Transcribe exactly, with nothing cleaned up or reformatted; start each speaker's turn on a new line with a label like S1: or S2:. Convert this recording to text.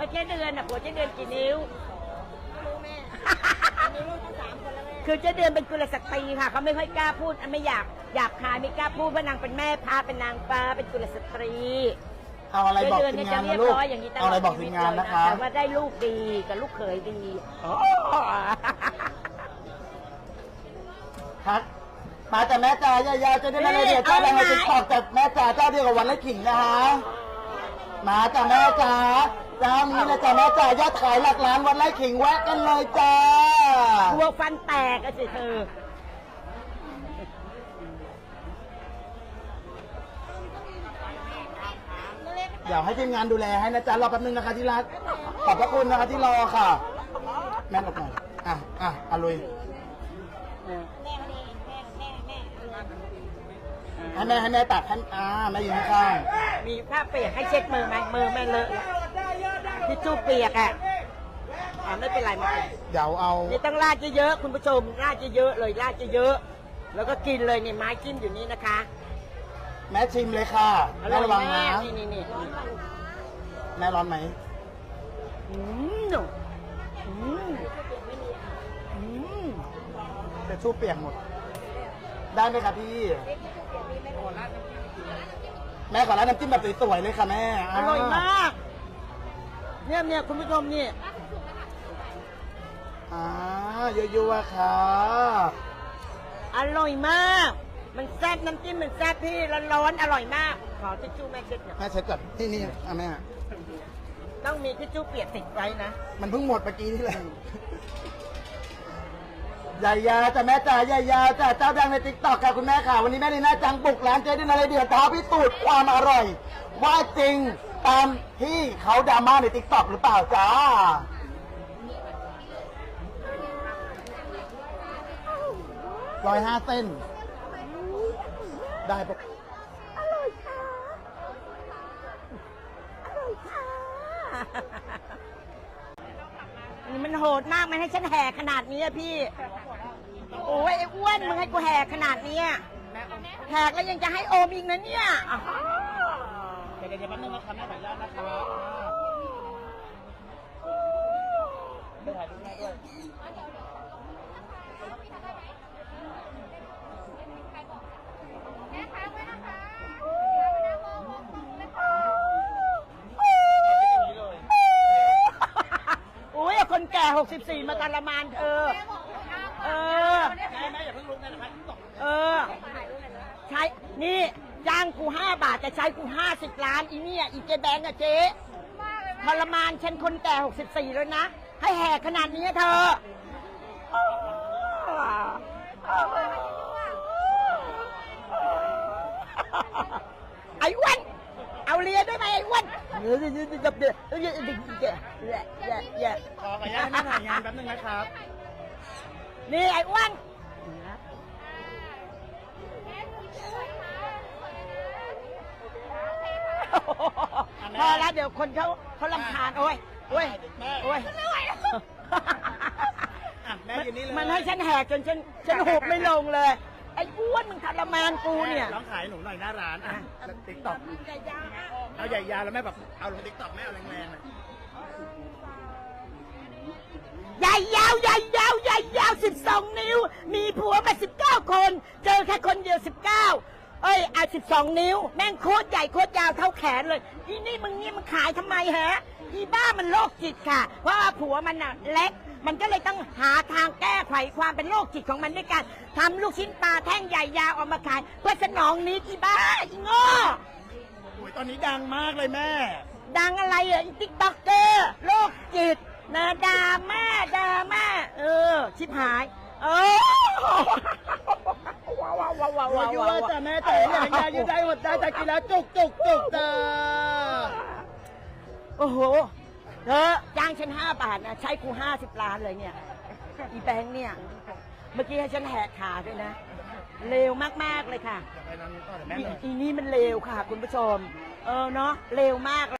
S1: เจ๊เดือนอ่ะผัวเจ๊เดือนกี่นิ้วรู้แม่มีลูกทั้งสามคนแล้วแม่คือเจ๊เดือนเป็นกุลสตรีค่ะเขาไม่ค่อยกล้าพูดไม่อยากหยาบคายไม่กล้าพูดเพราะนางเป็นแม่พาเป็นนางฟ้าเป็นกุลสตรี
S2: เอาอะไรบอกทีมงานนะลูกเอาอะไรบอกทีมงานนะคะ
S1: แต่ว่าได้ลูกดีกับลูกเขยดี
S2: ครับมาแต่แม่จ๋ายาวๆจะได้มาเลยเดี๋ยวเจ้าดังในติ๊กต็อกแต่แม่จ๋าเจ้าเดียวกับวันละขิงนะคะมาแต่แม่จ๋าเจ้านี้นะจ๊ะแม่จ๋ายอดขายหลักล้านวันละขิงแวะกันเลยจ้า
S1: หัวฟันแตกอะสิเธอ
S2: เดี๋ยวให้ทีมงานดูแลให้นะจ๊ะรอแป๊บนึงนะคะที่รักขอบพระคุณนะคะที่รอค่ะแม่หลบหน่อยอ่ะอ่ะอาลุยให้แม่ให้แม่ตัดให้อ่าแม่อยู่ข้าง
S1: มีผ้าเปียกให้เช็ดมือไหมมือแม่เลอะที่จู้เปียกอ่ะอ่าไม่เป็นไรไม่เป็น
S2: เดี๋ยวเอา
S1: นี่ต้องราดเยอะๆคุณผู้ชมราดเยอะๆเลยราดเยอะๆแล้วก็กินเลยนี่ไม้จิ้มอยู่นี่นะคะ
S2: แม่ชิมเลยค่ะแม่ระวังนะ
S1: นี่นี่นี่
S2: แม่ร้อนไหม
S1: อืมอืมอืม
S2: จะชู้เปียกหมดได้ไหมครับพี่แม่ขอร้านน้ำจิ้มแบบสวยๆเลยค่ะแม่
S1: อร่อยมากเนี่ยเนี่ยคุณผู้ชมนี่
S2: อ่ายั่วๆค่ะ
S1: อร่อยมากมันแซ่บน้ำจิ้มมันแซ่บพี่ร้อนๆอร่อยมากขอทิชชู่แม่เช็ด
S2: แม่เช็ดก่อนที่นี่อ่ะแม่
S1: ต้องมีทิชชู่เปียกติดไว้นะ
S2: มันเพิ่งหมดเมื่อกี้ที่เลยใหญ่ยาจ้ะแม่จ๋าใหญ่ยาจ้ะเจ้าดังในติ๊กต็อกค่ะคุณแม่ค่ะวันนี้แม่ลีน่าจังบุกร้านเจ๊ดินอะไรเดือดท้าพิสูจน์ความอร่อยว่าจริงตามที่เขาดราม่าในติ๊กต็อกหรือเปล่าจ้าร้อยห้าเส้นได้ปะ
S1: อร่อยค่ะอร่อยค่ะนี่มันโหดมากมันให้ฉันแห่ขนาดนี้อะพี่โอ้ยไอ้อ้วนมึงให้กูแห่ขนาดนี้แหกแล้วยังจะให้โอมอีกนะเนี่ย
S2: เดี๋ยวเดี๋ยวแป๊บนึงนะครับแม่ขออนุญาตนะครับไม่ถ่ายรูปแม่ด้วย
S1: คนแก่หกสิบสี่มาการละมานเธอเออ
S2: แม่แม่อย่าเพิ่งลุกนะครับ
S1: เออใช้นี่จ้างกูห้าบาทจะใช้กูห้าสิบล้านอีเนี่ยอีเจแบงก์อะเจ๊ทรมานฉันคนแก่หกสิบสี่แล้วนะให้แหกขนาดนี้เธอไอ้อ้วนเอาเลียได้ไหมไอ้อ้วนเดี๋ยวเดี๋ยวเดี๋ยวเดี๋ยวเดี๋ยวเดี๋ยวเดี๋ยวเดี๋ยวเดี๋ยว
S2: ขออนุญาตให้แม่ถ่ายงานแป๊บนึงนะครับ
S1: นี่ไอ้อ้วนพอแล้วเดี๋ยวคนเขาเขาลำคาญโอ้ยโอ้ยโอ้ยมันให้ฉันแหกจนฉันฉันหกไม่ลงเลยไอ้อ้วนมึงทรมานกูเนี่ย
S2: ร้องขายหนูหน่อยหน้าร้านอ่ะติ๊กต็อกเอาใหญ่ยาวแล้วแม่แบบเอาลงติ๊กต็อกแม่เอาแรงๆเลย
S1: ใหญ่ยาวใหญ่ยาวใหญ่ยาวสิบสองนิ้วมีผัวมาสิบเก้าคนเจอแค่คนเดียวสิบเก้าเอ้ยอ่ะสิบสองนิ้วแม่งโคตรใหญ่โคตรยาวเท่าแขนเลยอีนี่มึงนี่มึงขายทำไมฮะอีบ้ามันโรคจิตค่ะเพราะว่าผัวมันน่ะเล็กมันก็เลยต้องหาทางแก้ไขความเป็นโรคจิตของมันด้วยกันทำลูกชิ้นปลาแท่งใหญ่ยาวออกมาขายเพื่อสนองนี้อีบ้าอีโง่
S2: โอ้ยตอนนี้ดังมากเลยแม่
S1: ดังอะไรอ่ะอีติ๊กต็อกเกอร์โรคจิตนะดาแม่ดาแม่เออชิบหายเออว้าวว้าวว้าวว้าวว้าว
S2: ว้าวแต่แม่แต่อย่างยาอยู่ได้หมดได้แต่กินแล้วจุกจุกจุกจ้า
S1: โอ้โหเธอจ้างฉันห้าบาทนะใช้กูห้าสิบล้านเลยเนี่ยอีแบงค์เนี่ยเมื่อกี้ให้ฉันแหกขาด้วยนะเลวมากๆเลยค่ะอีนี่มันเลวค่ะคุณผู้ชมเออเนาะเลวมาก